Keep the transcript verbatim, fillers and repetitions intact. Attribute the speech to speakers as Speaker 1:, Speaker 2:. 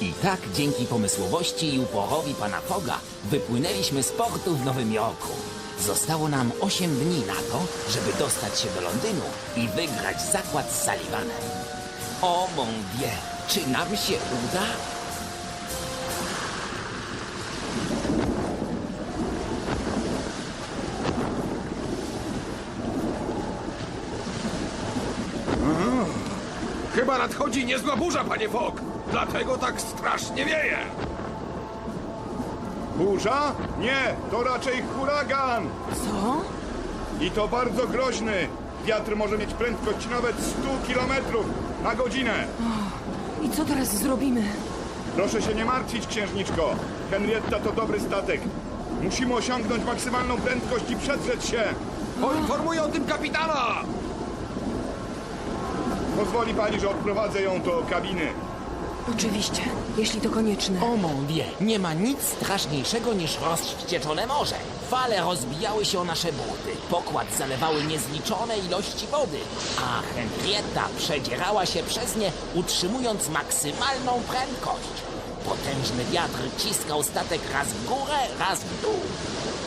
Speaker 1: I tak dzięki pomysłowości i uporowi pana Fogga wypłynęliśmy z portu w Nowym Jorku. Zostało nam osiem dni na to, żeby dostać się do Londynu i wygrać zakład z Sullivanem. O mon Dieu, czy nam się uda?
Speaker 2: Chyba nadchodzi niezła burza, panie Fogg. Dlatego tak strasznie wieje.
Speaker 3: Burza? Nie, to raczej huragan.
Speaker 4: Co?
Speaker 3: I to bardzo groźny. Wiatr może mieć prędkość nawet sto kilometrów na godzinę.
Speaker 4: I co teraz zrobimy?
Speaker 3: Proszę się nie martwić, księżniczko. Henrietta to dobry statek. Musimy osiągnąć maksymalną prędkość i przedrzeć się.
Speaker 2: Poinformuję o tym kapitana.
Speaker 3: Pozwoli pani, że odprowadzę ją do kabiny.
Speaker 4: Oczywiście, jeśli to konieczne.
Speaker 1: O mon Dieu, nie ma nic straszniejszego niż rozwścieczone morze. Fale rozbijały się o nasze buty, pokład zalewały niezliczone ilości wody, a Henrietta przedzierała się przez nie, utrzymując maksymalną prędkość. Potężny wiatr ciskał statek raz w górę, raz w dół.